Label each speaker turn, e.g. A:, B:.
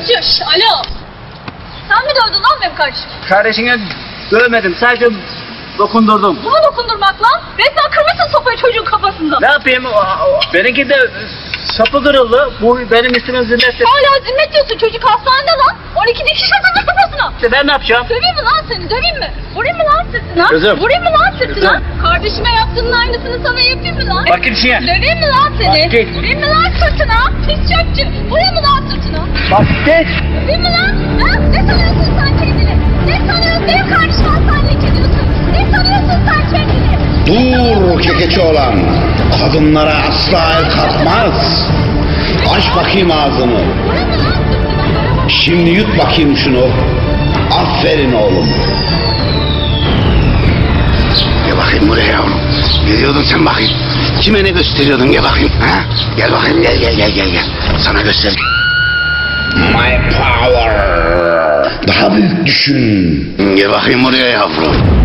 A: Şşş, alo. Sen mi dövdün lan benim kardeşim?
B: Kardeşine dövmedim, sadece dokundurdum.
A: Bu mu dokundurmak lan? Resmen kırmışsın sopayı çocuğun kafasında.
B: Ne yapayım? Benimki de sapı kırıldı. Bu benim üstüme zillet.
A: Hala zimmet diyorsun, çocuk hastanede lan. 12 dikiş atıldı kafasına.
B: İşte ben ne yapacağım?
A: Döveyim mi lan seni, döveyim mi? Vurayım mı lan sırtına?
B: Kızım.
A: Vurayım mı lan sırtına?
B: Kızım.
A: Kardeşime yaptığının aynısını sana yapayım mı lan?
B: Bakayım şeye.
A: Döveyim mi lan seni?
B: Bak git.
A: Vurayım mı lan sırtına? Pis çöpçü. Vurayım mı lan sırtına?
B: Bak geç.
A: Döveyim mi lan? Ha? Ne sanıyorsun sen kendini? Ne sanıyorsun? Benim kardeşim hastaneye gidiyorsun. Ne sanıyorsun sen kendini?
C: Dur kekeçi olan. Kadınlara asla el kalkmaz. Aç bakayım ağzını.
A: Vurayım mı lan sırtına?
C: Şimdi yut bakayım şunu. Aferin oğlum. Gel bakayım buraya yavrum. Ne diyordun sen bakayım? Kime ne gösteriyordun, gel bakayım. Ha? Gel bakayım, gel. Sana göster. My power. Daha büyük düşün. Gel bakayım buraya yavrum.